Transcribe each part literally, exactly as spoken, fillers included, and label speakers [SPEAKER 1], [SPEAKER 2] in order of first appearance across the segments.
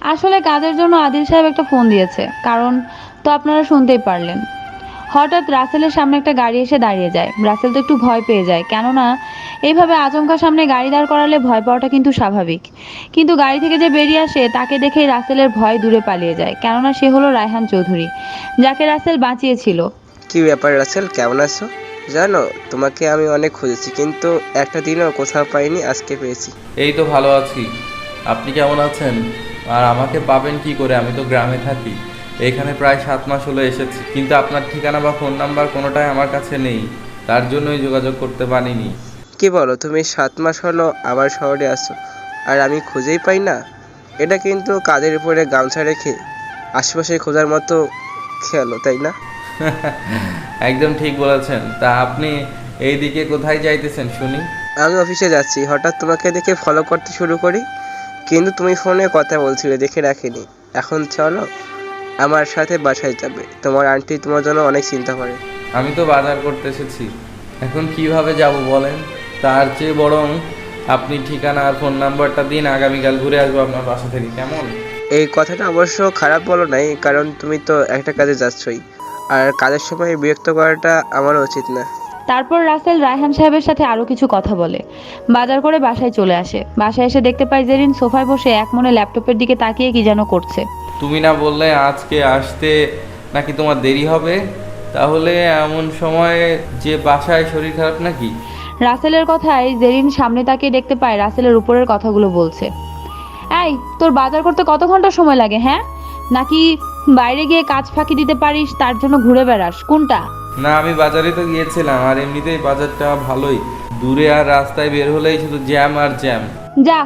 [SPEAKER 1] আসলে কাজের জন্য আদিল সাহেব একটা ফোন দিয়েছে, কারণ তো আপনারা শুনতেই পারলেন। হঠাৎ রাসেলের সামনে একটা গাড়ি এসে দাঁড়িয়ে যায়। রাসেল তো একটু ভয় পেয়ে যায়, কেননা এইভাবে আচমকা সামনে গাড়ি দাঁড় করালে ভয় পাওয়াটা কিন্তু স্বাভাবিক। কিন্তু গাড়ি থেকে যে বেরিয়ে আসে তাকে দেখেই রাসেলের ভয় দূরে পালিয়ে যায়, কেননা সে হলো রায়হান চৌধুরী, যাকে রাসেল বাঁচিয়েছিল।
[SPEAKER 2] কি ব্যাপার রাসেল, কেমন আছো? জানো, তোমাকে আমি অনেক খুঁজেছি, কিন্তু একটা দিনও কোথাও পাইনি, আজকে পেয়েছি।
[SPEAKER 3] এই তো ভালো আছি। আপনি কেমন আছেন? আর আমাকে পাবেন কি করে? আমি তো গ্রামে থাকি। এখানে প্রায় সাত মাস হলো এসেছি, কিন্তু আপনার ঠিকানা বা ফোন নাম্বার কোনোটাই আমার কাছে নেই। তার জন্যই যোগাযোগ করতে পারিনি।
[SPEAKER 2] কি বলো, তুমি সাত মাস হলো আমার শহরে আসো আর আমি খুঁজেই পাই না? এটা কিন্তু কাঁধের উপরে গামছা রেখে আশেপাশে খোঁজার মতো খেয়ালো, তাই না?
[SPEAKER 3] একদম ঠিক বলেছেন। তা আপনি এই দিকে কোথায় যাইতেছেন শুনি?
[SPEAKER 2] আমি অফিসে যাচ্ছি, হঠাৎ তোমাকে দেখে ফলো করতে শুরু করি, কিন্তু তুমি ফোনে কথা বলছিলে, দেখে রাখিনি। এখন চলো আমার সাথে বাসায় যাবে, তোমার আন্টি তোমার জন্য অনেক চিন্তা করে।
[SPEAKER 3] আমি তো বাজার করতে এসেছি, এখন কিভাবে যাব বলেন? তার চেয়ে বরং আপনি ঠিকানা আর ফোন নাম্বারটা দিন, আগামীকাল ঘুরে আসবো আপনার বাসা থেকে, কেমন?
[SPEAKER 2] এই কথাটা অবশ্য খারাপ বলো নাই, কারণ তুমি তো একটা কাজে যাচ্ছই, আর কাজের সময় বিরক্ত করাটা আমারও উচিত না।
[SPEAKER 1] তারপর রাসেল রায়হান সাহেবের সাথে আরো কিছু কথা বলে বাজার করে বাসায় চলে আসে। বাসায় এসে দেখতে পায় জেরিন সোফায় বসে এক মনে ল্যাপটপের দিকে তাকিয়ে কি যেন করছে।
[SPEAKER 3] তুমি না বললে আজকে আসতে নাকি তোমার দেরি হবে? তাহলে এমন সময় যে বাসায় শরীর খারাপ নাকি?
[SPEAKER 1] রাসেলের কথায় জেরিন সামনে তাকিয়ে দেখতে পায় রাসেলের উপরের কথাগুলো বলছে। এই, তোর বাজার করতে কত ঘন্টা সময় লাগে, হ্যাঁ? নাকি বাইরে গিয়ে কাজ ফাঁকি দিতে পারিস তার জন্য ঘুরে বেড়াস, কোনটা?
[SPEAKER 3] না, আমি বাজারে তো গিয়েছিলাম, আর এমনিতেই বাজারটা ভালোই দূরে, আর রাস্তায় বের হলেই শুধু জ্যাম আর জ্যাম।
[SPEAKER 1] যা,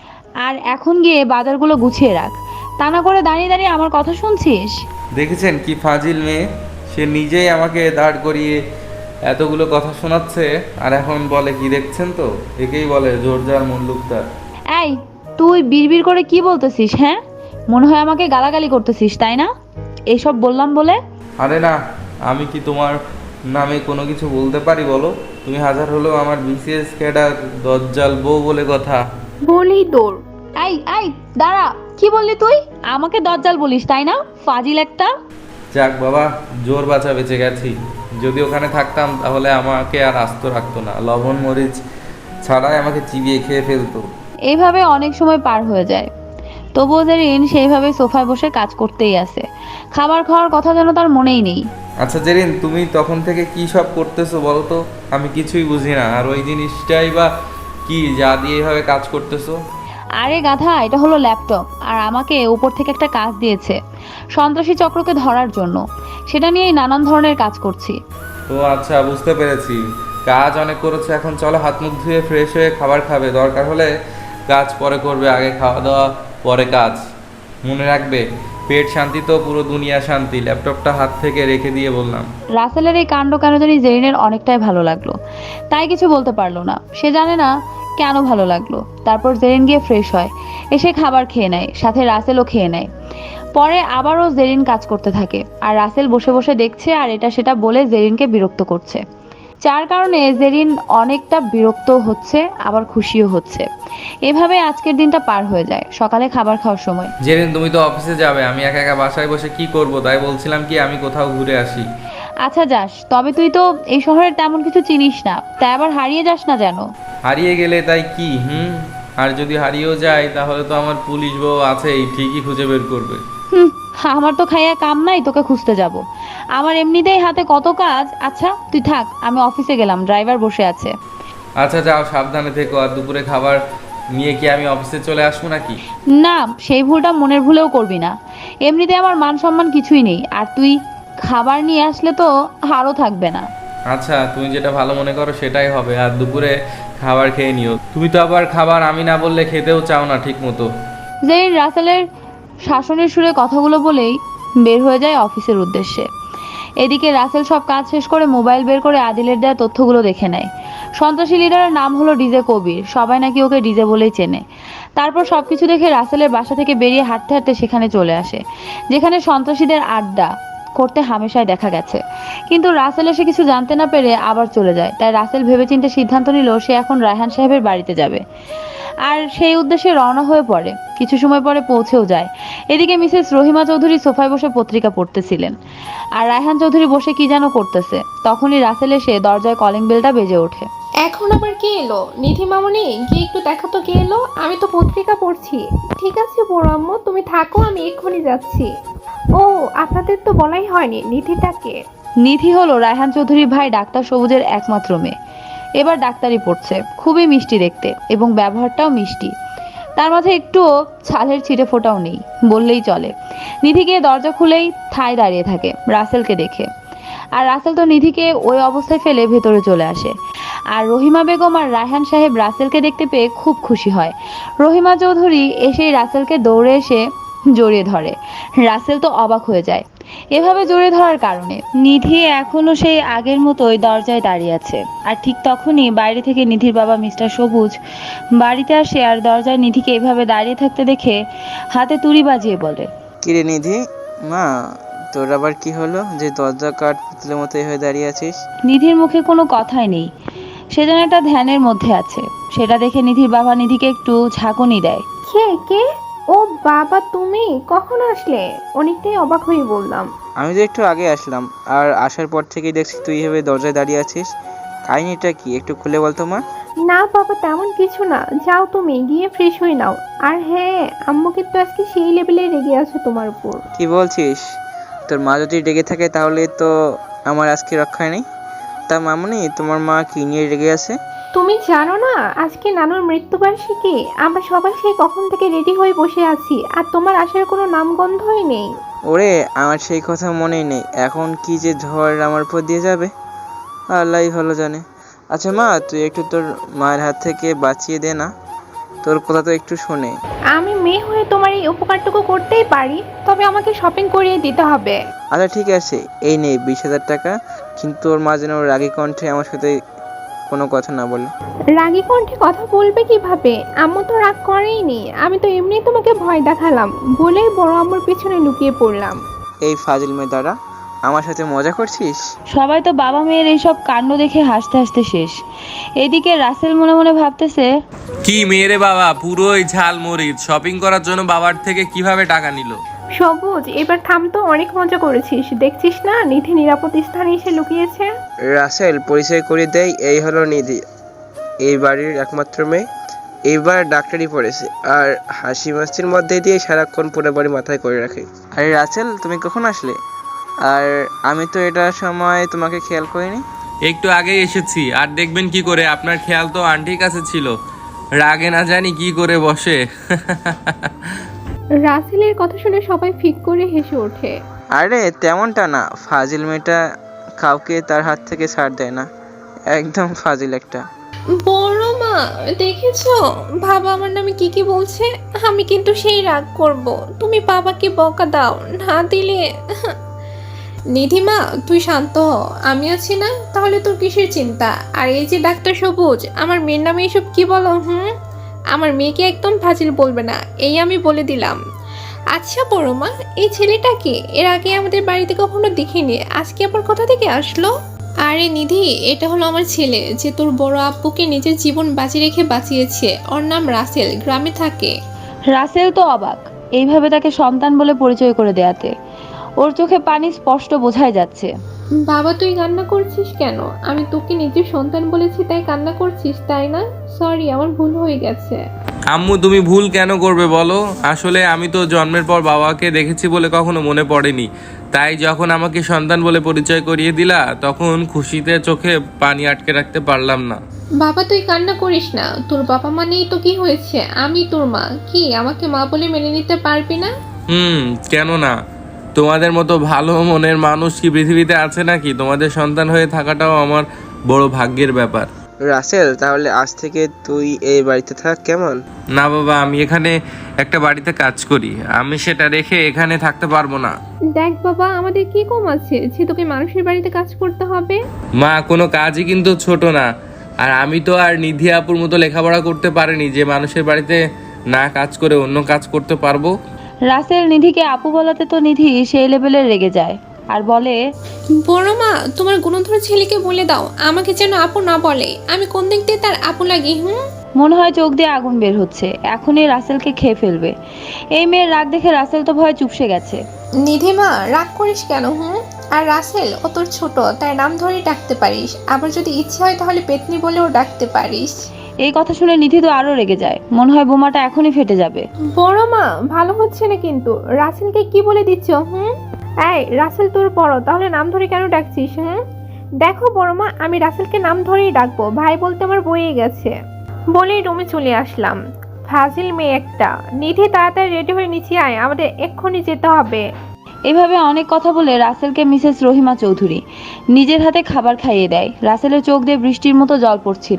[SPEAKER 1] আর এখন গিয়ে বাজারগুলো গুছিয়ে রাখ। তা না করে দাঁড়িয়ে দাঁড়িয়ে আমার কথা শুনছিস?
[SPEAKER 3] দেখেছেন কি ফাজিল মেয়ে, সে নিজেই আমাকে দাঁড় করিয়ে এতগুলো কথা শোনাচ্ছে, আর এখন বলে কি দেখছেন তো? একেই বলে জোরজার মুল্লুকদার।
[SPEAKER 1] এই, তুই বিড়বিড় করে কি বলতেছিস, হ্যাঁ? মনে হয় আমাকে গালাগালি করতেছিস, তাই না? এইসব বললাম বলে?
[SPEAKER 3] আরে না, আমি কি তোমার নামে কোনো কিছু বলতে পারি বলো? তুমি হাজার হলেও আমার বিসিএস ক্যাডার দজ্জাল বউ বলে কথা।
[SPEAKER 1] বলেই তোর। এই এই, দাঁড়া, কি বললি তুই? আমাকে দজ্জাল বলিস, তাই না? ফাজিল একটা।
[SPEAKER 3] যাক বাবা, জোর বাঁচা বেঁচে গেছি। যদি ওখানে থাকতাম তাহলে আমাকে আর আস্ত রাখতো না, লবণ মরিচ ছাড়াই আমাকে চিবিয়ে খেয়ে ফেলতো।
[SPEAKER 1] এইভাবে অনেক সময় পার হয়ে যায়, তবুও জেরিন সেইভাবে সোফায় বসে কাজ করতেই আছে। খাবার খাওয়ার কথা যেন তার মনেই নেই।
[SPEAKER 3] আচ্ছা জেরিন, তুমি তখন থেকে কি সব করতেছো বলো তো? আমি কিছুই বুঝি না। আর ওই জিনিসটাই বা কি যা দিয়ে এভাবে কাজ করতেছো?
[SPEAKER 1] আরে গাধা, এটা হলো ল্যাপটপ, আর আমাকে উপর থেকে একটা কাজ দিয়েছে সন্ত্রাসী চক্রকে ধরার জন্য। সেটা নিয়েই নানান ধরনের কাজ করছি।
[SPEAKER 3] ও আচ্ছা, বুঝতে পেরেছি। কাজ অনেক করেছে, এখন চলো হাত মুখ ধুয়ে ফ্রেশ হয়ে খাবার খাবে। দরকার হলে কাজ পরে করবে, আগে খাওয়া দাওয়া পরে কাজ। মনে রাখবে, পেট শান্তি তো পুরো দুনিয়া শান্তি। ল্যাপটপটা হাত থেকে রেখে দিয়ে বললাম।
[SPEAKER 1] রাসেলের এই কাণ্ড কেন জানি জেরিনের অনেকটাই ভালো লাগলো, তাই কিছু বলতে পারলো না। সে জানে না কেন ভালো লাগলো। তারপর জেরিন গিয়ে ফ্রেশ হয়, এসে খাবার খেয়ে নেয়, সাথে রাসেলও খেয়ে নেয়। পরে আবারও জেরিন কাজ করতে থাকে, আর রাসেল বসে বসে দেখছে আর এটা সেটা বলে জেরিনকে বিরক্ত করছে। যার কারণে জেরিন অনেকটা বিরক্ত হচ্ছে, আবার খুশিও হচ্ছে। এভাবে আজকের দিনটা পার হয়ে যায়। সকালে খাবার খাওয়ার সময়
[SPEAKER 3] জেরিন, তুমি তো অফিসে যাবে, আমি একা একা বাসায় বসে কি করব? তাই বলছিলাম কি আমি কোথাও ঘুরে আসি।
[SPEAKER 1] আচ্ছা যাস, তবে তুই তো এই শহরের তেমন কিছু চিনিস না, তাই আবার হারিয়ে যাস না যেন।
[SPEAKER 3] হারিয়ে গেলে তাই কি? হুম, আর যদি হারিয়েও যায় তাহলে তো আমার পুলিশ বউ আছেই, ঠিকই খুঁজে বের করবে।
[SPEAKER 1] হুম, আমার তো খাইয়া কাম নাই তোকে খুঁজতে যাব। আমার এমনিতেই হাতে কত কাজ। আচ্ছা তুই থাক, আমি অফিসে গেলাম, ড্রাইভার বসে আছে।
[SPEAKER 3] আচ্ছা যাও, সাবধানে থেকো। আর দুপুরে খাবার নিয়ে কি আমি অফিসে চলে আসবো নাকি?
[SPEAKER 1] না, সেই ভুলটা মনের ভুলেও করবি না। এমনিতে আমার মান সম্মান কিছুই নেই, আর তুই খাবার নিয়ে আসলে তো আরও থাকবে না।
[SPEAKER 3] আচ্ছা, তুমি যেটা ভালো মনে করো সেটাই হবে। আর দুপুরে খাবার খেয়ে নিও। তুমি তো আবার খাবার আমি না বললে খেতেও চাও না ঠিক মতো।
[SPEAKER 1] যেই রাসেলের শাসনের সুরে কথাগুলো বলেই বের হয়ে যায় অফিসের উদ্দেশ্যে। এদিকে রাসেল সব কাজ শেষ করে মোবাইল বের করে আদিলের দেওয়া তথ্যগুলো দেখে নেয়। সন্ত্রাসী লিডারের নাম হলো ডিজে কবির, সবাই নাকি ওকে ডিজে বলেই চেনে। তারপর সবকিছু দেখে রাসেলের বাসা থেকে বেরিয়ে হাঁটতে হাঁটতে সেখানে চলে আসে, যেখানে সন্ত্রাসীদের আড্ডা। করতে হামেশাই দেখা গেছে। কিন্তু রাসেল এসে কিছু জানতে না পেরে আবার চলে যায়। তাই রাসেল ভেবেচিন্তে সিদ্ধান্ত নিল সে এখন রায়হান সাহেবের বাড়িতে যাবে, আর সেই উদ্দেশ্যে রওনা হয়ে পড়ে। কিছু সময় পরে পৌঁছেও যায়। এদিকে মিসেস রহিমা চৌধুরী সোফায় বসে পত্রিকা পড়তেছিলেন, আর রায়হান চৌধুরী বসে কি যেন করতেছে। তখনই রাসেল এসে দরজায় কলিং বেলটা বেজে ওঠে।
[SPEAKER 4] এখন আবার কে এলো? নিধি মামনি, গিয়ে একটু দেখো তো কে এলো। আমি তো পত্রিকা পড়ছি। ঠিক আছে বড় আম্মু, তুমি থাকো, আমি এক্ষুনি যাচ্ছি। ও, আপনাদের তো বলাই হয়নি নিধিটাকে।
[SPEAKER 1] নিধি হলো রায়হান চৌধুরীর ভাই ডাক্তার সবুজের একমাত্র মেয়ে। এবার ডাক্তারি পড়ছে। খুবই মিষ্টি দেখতে এবং ব্যবহারটাও মিষ্টি। তার মাঝে একটুও ছালের ছিটে ফোটাও নেই বললেই চলে। নিধি গিয়ে দরজা খুলেই ঠায় দাঁড়িয়ে থাকে রাসেলকে দেখে। আর রাসেল তো নিধিকে ওই অবস্থায় ফেলে ভেতরে চলে আসে। আর রহিমা বেগম আর রায়হান সাহেব রাসেলকে দেখতে পেয়ে খুব খুশি হয়। রহিমা চৌধুরী এসেই রাসেলকে দৌড়ে এসে জড়িয়ে ধরে। রাসেল তো অবাক হয়ে যায় এভাবে জড়িয়ে ধরার কারণে। নিধি এখনো সেই আগের মতোই দরজায় দাঁড়িয়ে আছে। আর ঠিক তখনই বাইরে থেকে নিধির বাবা মিস্টার সবুজ বাড়িতে আসে, আর দরজায় নিধিকে এভাবে দাঁড়িয়ে থাকতে দেখে হাতে তুড়ি বাজিয়ে বলে,
[SPEAKER 2] কিরে নিধি মা, তোর আবার কি হলো যে দরজা কাঠ পুতুলের মতো হয়ে দাঁড়িয়ে আছিস?
[SPEAKER 1] নিধির মুখে কোনো কথাই নেই, সে যেন একটা ধ্যানের মধ্যে আছে। সেটা দেখে নিধির বাবা নিধিকে একটু ঝাঁকুনি দেয়।
[SPEAKER 4] কে কে? ও বাবা, তুমি কখন আসলে? অনেকটাই অবাক হয়ে বললাম।
[SPEAKER 2] আমি তো একটু আগে আসলাম, আর আসার পর থেকেই দেখছি তুই এভাবে দরজায় দাঁড়িয়ে আছিস। কাহিনীটা কি একটু খুলে বলতো মা?
[SPEAKER 4] না বাবা, তেমন কিছু না। যাও তুমি গিয়ে ফ্রেশ হয়ে নাও। আর হ্যাঁ, আম্মু কিন্তু আজকে সেই লেভেলে রেগে আছে তোমার উপর।
[SPEAKER 2] কি বলছিস? তোর মা যদি রেগে থাকে তাহলে তো আমার আজকে রক্ষা নেই। তা মামুনি, তোমার মা কি নিয়ে রেগে আছে?
[SPEAKER 4] তুমি জানো না আজকে নানুর মৃত্যুবার্ষিকী? আমরা সবাই সেই কখন থেকে রেডি হয়ে বসে আছি, আর তোমার আসার কোনো নামগন্ধই নেই।
[SPEAKER 2] ওরে, আমার সেই কথা মনেই নেই। এখন কি যে ঝড় আমার উপর দিয়ে যাবে আল্লাহই ভালো জানে। আচ্ছা মা, তুই একটু তোর মায়ের হাত থেকে বাঁচিয়ে দে না, তোর কথা তো একটু শোনে।
[SPEAKER 4] আমি মেয়ে হয়ে তোমার এই উপকারটুকু করতেই পারি, তবে আমাকে শপিং করিয়ে দিতে হবে।
[SPEAKER 2] আচ্ছা ঠিক আছে, এই নে বিশ হাজার টাকা। কিন্তু তোর মা যেন রাগী কণ্ঠে আমার সাথে কোনো কথা না বলে।
[SPEAKER 4] রাগী কণ্ঠে কথা বলবে কিভাবে? আম্মু তো রাগ করেইনি। আমি তো এমনি তোমাকে ভয় দেখালাম বলেই বড় আম্মুর পিছনে লুকিয়ে পড়লাম।
[SPEAKER 2] এই ফাজিল মেয়ে দ্বারা আমার সাথে মজা করছিস?
[SPEAKER 1] সবাই তো বাবা মেয়ের এইসব কাণ্ড দেখে হাসতে হাসতে শেষ। এদিকে রাসেল মনে মনে ভাবতেছে,
[SPEAKER 3] কি মেয়েরে বাবা, পুরোই ঝাল মরিচ। শপিং করার জন্য বাবার থেকে কিভাবে টাকা নিল?
[SPEAKER 4] সবুজ, এবার থাম তো, অনেক মজা করেছিস। দেখছিস না নিধি নিরাপদ স্থানে এসে লুকিয়েছে।
[SPEAKER 2] রাসেল, পরিচয় করে দেয়, এই হলো নিধি, এই বাড়ির একমাত্র মেয়ে। এইবার ডাক্তারি পড়েছে, আর হাসি মাস্তির মধ্যে দিয়ে সারাক্ষণ পুরো বাড়ি মাথায় করে রাখে। আরে রাসেল, তুমি কখন আসলে? আর আমি তো এটার সময় তোমাকে খেয়াল করিনি।
[SPEAKER 3] একটু আগেই এসেছি, আর দেখবেন কি করে? আপনার খেয়াল তো আন্টির কাছে ছিল। রাগে না জানি কি করে বসে।
[SPEAKER 4] রাসেলের কথা শুনে সবাই ফিক করে হেসে ওঠে।
[SPEAKER 2] আরে তেমনটা না, ফাজিল মেয়েটা কাউকে তার হাত থেকে ছাড় দেয় না, একদম ফাজিল একটা।
[SPEAKER 4] বড় মা, দেখেছো বাবা আমার নামে কি কি বলছে? আমি কিন্তু সেই রাগ করব। তুমি বাবাকে বকা দাও, না দিলে। নিধিমা, তুই শান্ত হ, আমি আছি না? তাহলে তোর কিসের চিন্তা? আর এই যে ডাক্তার সবুজ, আমার মেয়ের নামে এসব কি বলো? হুম, আমার মেয়েকে একদম ফাজিল বলবে না, এই আমি বলে দিলাম। আচ্ছা বড় মা, এই ছেলেটাকে এর আগে আমাদের বাড়িতে কখনো দেখিনি, আজকে আবার কোথা থেকে আসলো? আরে নিধি, এটা হলো আমার ছেলে, যে তোর বড় আব্বুকে নিজের জীবন বাজি রেখে বাঁচিয়েছে। ওর নাম রাসেল, গ্রামে থাকে।
[SPEAKER 1] রাসেল তো অবাক এইভাবে তাকে সন্তান বলে পরিচয় করে দেয়াতে। ওর চোখে পানি স্পষ্ট বোঝাই যাচ্ছে।
[SPEAKER 4] বাবা, তুই কান্না করছিস কেন? আমি তোকে নিজের সন্তান বলেছি তাই কান্না করছিস, তাই না? সরি, আমার ভুল হয়ে গেছে।
[SPEAKER 3] আম্মু, তুমি ভুল কেন করবে বলো? আসলে আমি তো জন্মের পর বাবাকে দেখেছি বলে কখনো মনে পড়েনি। তাই যখন আমাকে সন্তান বলে পরিচয় করিয়ে দিলা, তখন খুশিতে চোখে পানি আটকে রাখতে পারলাম না।
[SPEAKER 4] বাবা, তুই কান্না করিস না। তোর বাবা মানেই তো কি হয়েছে, আমি তোর মা। কি আমাকে মা বলে মেনে নিতে পারবি না?
[SPEAKER 3] হুম, কেন না? তোমাদের মতো ভালো মনের মানুষ কি পৃথিবীতে আছে নাকি? তোমাদের সন্তান হয়ে থাকাটাও আমার বড় ভাগ্যের ব্যাপার।
[SPEAKER 2] রাসেল, তাহলে আজ থেকে তুই এই বাড়িতে থাক, কেমন?
[SPEAKER 3] না বাবা, আমি এখানে একটা বাড়িতে কাজ করি, আমি সেটা রেখে এখানে থাকতে পারবো না।
[SPEAKER 4] দেখ বাবা, আমাদের কি কম আছে যে তোকে মানুষের বাড়িতে কাজ করতে হবে?
[SPEAKER 3] মা, কোনো কাজই কিন্তু ছোট না। আর আমি তো আর নিধি আপুর মতো লেখাপড়া করতে পারিনি যে মানুষের বাড়িতে না কাজ করে অন্য কাজ করতে পারবো।
[SPEAKER 1] রাসেল নিধিকে আপু বলাতে তো নিধি সেই লেভেলের রেগে যায়। আর বলে,
[SPEAKER 4] বড় মা, তোমার গুণধর ছেলেকে বলে দাও আমাকে যেন আপু না বলে। আমি কোন দিক দিয়ে তার আপু লাগি? হুম
[SPEAKER 1] মনে হয় চোখ দিয়ে আগুন বের হচ্ছে, এখনই রাসেলকে খেয়ে ফেলবে। এই মেয়ের রাগ দেখে রাসেল তো ভয়ে চুপসে গেছে।
[SPEAKER 4] নিধিমা, রাগ করিস কেন? হুম আর রাসেল ও তোর ছোট, তার নাম ধরেই ডাকতে পারিস। আবার যদি ইচ্ছে হয় তাহলে পেতনি বলেও ডাকতে পারিস।
[SPEAKER 1] এই কথা শুনে নিধি তো আরো রেগে যায়, মনে হয় বোমাটা এখনই ফেটে যাবে।
[SPEAKER 4] বড় মা, ভালো হচ্ছে না কিন্তু। রাসেলকে কি বলে দিচ্ছ? হুম এই রাসেল তোর বড়, তাহলে নাম ধরে কেন ডাকছিস? হুম দেখো বড় মা, আমি রাসেলকে নাম ধরেই ডাকবো। ভাই বলতে আমার বয়ে গেছে বলেই রুমে চলে আসলাম। ফাজিল মেয়ে একটা। নিধি, তাড়াতাড়ি রেডি হয়ে নিচে আয়, আমাদের এক্ষুনি যেতে হবে।
[SPEAKER 1] এভাবে অনেক কথা বলে রাসেলকে মিসেস রহিমা চৌধুরী নিজের হাতে খাবার খাইয়ে দেয়। রাসেলের চোখ দিয়ে বৃষ্টির মতো জল পড়ছিল।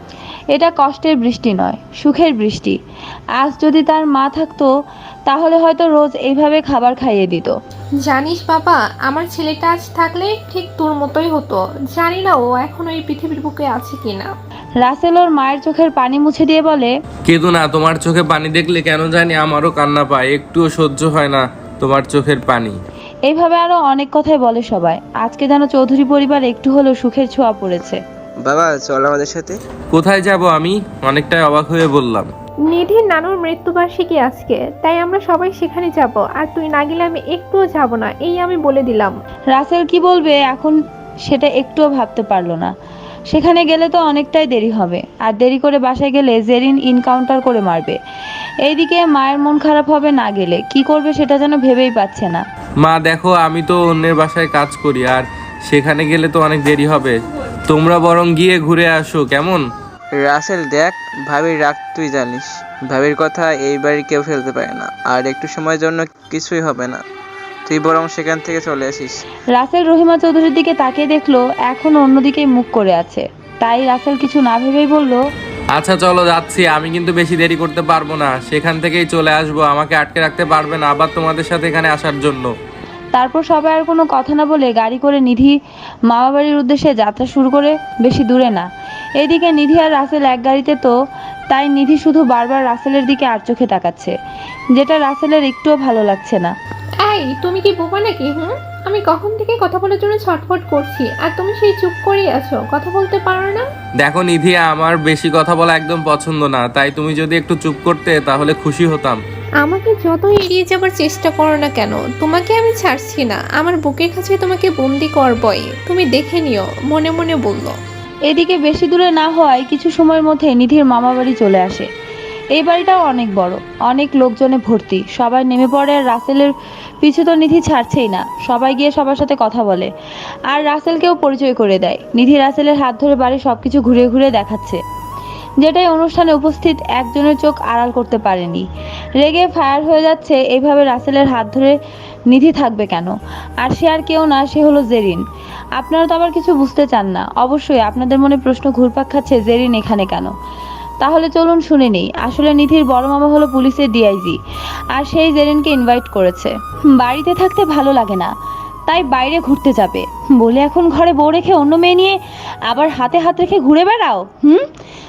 [SPEAKER 1] এটা কষ্টের বৃষ্টি নয়, সুখের বৃষ্টি। আজ যদি তার মা থাকতো তাহলে হয়তো রোজ এইভাবে খাবার খাইয়ে দিত।
[SPEAKER 4] জানিস বাবা, আমার ছেলেটা আজ থাকলে ঠিক তোর মতোই হতো। জানি না ও এখন ওই পৃথিবীর বুকে আছে কিনা।
[SPEAKER 1] রাসেল ওর মায়ের চোখের পানি মুছে দিয়ে বলে,
[SPEAKER 3] কেঁদো না, তোমার চোখে পানি দেখলে কেন জানি আমারও কান্না পায়, একটুও সহ্য হয় না তোমার চোখের পানি।
[SPEAKER 1] এইভাবে আরো অনেক কথাই বলে সবাই। আজকে যেন চৌধুরী পরিবার একটু হলেও সুখের ছোঁয়া পড়েছে।
[SPEAKER 2] বাবা চল আমাদের সাথে।
[SPEAKER 3] কোথায় যাব আমি? অনেকটাই অবাক হয়ে বললাম।
[SPEAKER 4] নিধির নানুর মৃত্যুবার্ষিকী আজকে, তাই আমরা সবাই সেখানে যাব। আর তুই না গেলে আমি একটুও যাব না, এই আমি বলে দিলাম।
[SPEAKER 1] রাসেল কি বলবে এখন সেটা একটুও ভাবতে পারলো না। সেখানে গেলে তো অনেকটাই দেরি হবে, আর দেরি করে বাসায় গেলে জেরিন ইনকাউন্টার করে মারবে। এইদিকে মায়ের মন খারাপ হবে না গেলে, কি করবে সেটা যেন ভেবেই পাচ্ছে না।
[SPEAKER 3] মা দেখো, আমি তো অন্যের বাসায় কাজ করি, আর সেখানে গেলে তো অনেক দেরি হবে। তোমরা বরং গিয়ে ঘুরে আসো কেমন?
[SPEAKER 2] রাসেল দেখ, ভাবির রাগ তুই জানিস। ভাবির কথা এই বাড়ি কেউ ফেলতে পারে না, আর একটু সময়ের জন্য কিছুই হবে না। তুই বরং সেখান থেকে চলে আসিস।
[SPEAKER 1] রাসেল রহিমা চৌধুরীর দিকে তাকিয়ে দেখলো এখন অন্যদিকেই মুখ করে আছে। তাই রাসেল কিছু না ভেবেই বলল,
[SPEAKER 3] আচ্ছা চলো যাচ্ছি, আমি কিন্তু বেশি দেরি করতে পারবো না, সেখান থেকেই চলে আসবো। আমাকে আটকে রাখতে পারবে না আবার তোমাদের সাথে এখানে আসার জন্য।
[SPEAKER 1] তারপর সবাই আর কোনো কথা না বলে গাড়ি করে নিধি মামা বাড়ির উদ্দেশ্যে যাত্রা শুরু করে। বেশি দূরে না। এইদিকে নিধি আর রাসেল এক গাড়িতে, তো তাই নিধি শুধু বারবার রাসেলের দিকে আর চোখে তাকাচ্ছে, যেটা রাসেলের একটুও ভালো লাগছে না।
[SPEAKER 4] এই তুমি কি বোবা নাকি? হুম আমি কখন থেকে কথা বলার জন্য ছটফট করছি, আর তুমি সেই চুপ করেই আছো, কথা বলতে পারো না?
[SPEAKER 3] দেখো নিধি, আমার বেশি কথা বলা একদম পছন্দ না, তাই তুমি যদি একটু চুপ করতে তাহলে খুশি হতাম।
[SPEAKER 4] আমাকে যত এড়িয়ে যাবার চেষ্টা করো না কেন, তোমাকে আমি ছাড়ছি না। আমার বুকের কাছে তোমাকে বন্দি করবই, তুমি দেখে নিও, মনে মনে বলল।
[SPEAKER 1] এদিকে বেশি দূরে না হওয়ায় কিছু সময়ের মধ্যে নিধির মামা বাড়ি চলে আসে। এই বাড়িটাও অনেক বড়, অনেক লোকজনে ভর্তি। সবাই নেমে পড়ে আর রাসেলের পিছু তো নিধি ছাড়ছেই না। সবাই গিয়ে সবার সাথে কথা বলে আর রাসেলকেও পরিচয় করে দেয়। নিধি রাসেলের হাত ধরে বাড়ির সবকিছু ঘুরে ঘুরে দেখাচ্ছে, যেটাই অনুষ্ঠানে উপস্থিত একজনের চোখ আড়াল করতে পারেনি। রেগে ফায়ার হয়ে যাচ্ছে। এইভাবে রাসেলের হাত ধরে নিধি থাকবে কেন? আর সে আর কেউ না, সে হলো জেরিন। আপনারা তো আবার কিছু বুঝতে চান না। অবশ্যই আপনাদের মনে প্রশ্ন ঘুরপাক খাচ্ছে, জেরিন এখানে কেন? তাহলে চলুন শুনে নেই। আসলে নিধির বড় মামা হলো পুলিশের ডিআইজি, আর সেই জেরিনকে ইনভাইট করেছে। বাড়িতে থাকতে ভালো লাগে না, তাই বাইরে ঘুরতে যাবে বলে এখন ঘরে বউ রেখে অন্য মেয়ে নিয়ে আবার হাতে হাত রেখে ঘুরে বেড়াও। হুম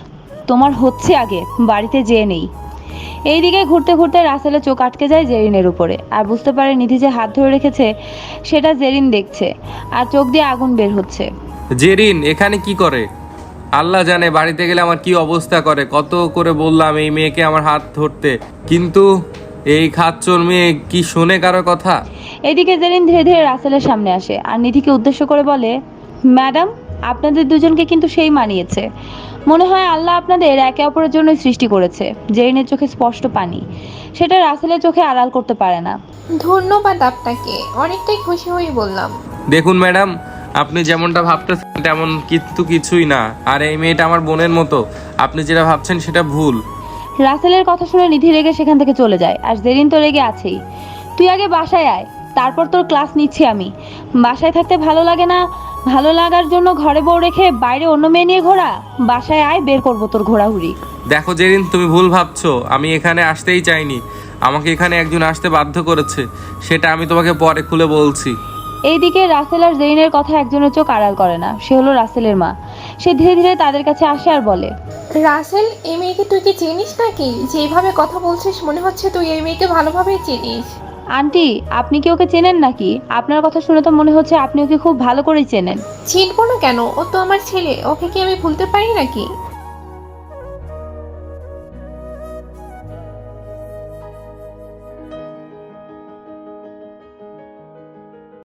[SPEAKER 1] তোমার হচ্ছে আগে বাড়িতে যেয়ে নেই। এইদিকে ঘুরতে ঘুরতে রাসেলের চোখ আটকে যায় জেরিনের উপরে, আর বুঝতে পারে নিধি যে হাত ধরে রেখেছে সেটা জেরিন দেখছে, আর চোখ দিয়ে আগুন বের হচ্ছে।
[SPEAKER 3] জেরিন এখানে কি করে? আল্লাহ জানে বাড়িতে গেলে আমার কি অবস্থা করে। কত করে বললাম এই মেয়েকে আমার হাত ধরতে, কিন্তু এই খাচ্চর মেয়ে কি শোনে কারো কথা?
[SPEAKER 1] এদিকে জেরিন ধীরে ধীরে রাসেলের সামনে আসে আর নিধিকে উদ্দেশ্য করে বলে, ম্যাডাম, আপনাদের দুজনকে কিন্তু সেই মানিয়েছে। মনে হয় আল্লাহ আপনাদের একে অপরের জন্যই সৃষ্টি করেছে। জেরিনের চোখে স্পষ্ট পানি, সেটা রাসেলের চোখে আড়াল করতে পারে না।
[SPEAKER 4] ধন্যবাদ আপনাকে, অনেকটাই খুশি হয়ে বললাম।
[SPEAKER 3] দেখুন ম্যাডাম, আপনি যেমনটা ভাবতেছেন তেমন কিন্তু কিছুই না, আর এই মেয়েটা আমার বোনের মতো। আপনি যেটা ভাবছেন সেটা ভুল।
[SPEAKER 1] রাসেলের কথা শুনে নিধি রেগে সেখান থেকে চলে যায়, আর জেরিন তো রেগে আছেই। তুই আগে বাসায় আয়, তারপর তোর ক্লাস নিচ্ছি আমি। বাসায় থাকতে ভালো লাগে না, ভালো লাগার জন্য ঘরে বউ রেখে বাইরে অন্য মেয়ে নিয়ে ঘোরা? বাসায় আয়, বের করবো তোর ঘোরাঘুরি।
[SPEAKER 3] দেখো জেরিন, তুমি ভুল ভাবছো। আমি এখানে আসতেই চাইনি, আমাকে এখানে একজন আসতে বাধ্য করেছে। সেটা আমি তোমাকে পরে খুলে বলছি।
[SPEAKER 1] এইদিকে রাসেল আর জেরিনের কথা একজনের চোখ আড়াল করে না, সে হলো রাসেলের মা। সে ধীরে ধীরে তাদের কাছে আসে আর বলে,
[SPEAKER 4] রাসেল, এই মেয়েকে তুই কি চিনিস নাকি? যেভাবে কথা বলছিস মনে হচ্ছে তুই এই মেয়েকে ভালোভাবেই চিনিস।
[SPEAKER 1] আন্টি, আপনি কি ওকে চেনেন নাকি? আপনার কথা শুনে তো মনে হচ্ছে আপনি ওকে খুব ভালো করেই চেনেন।
[SPEAKER 4] চিনবো না কেন? ও তো আমার ছেলে, ওকে কি আমি ভুলতে পারি নাকি?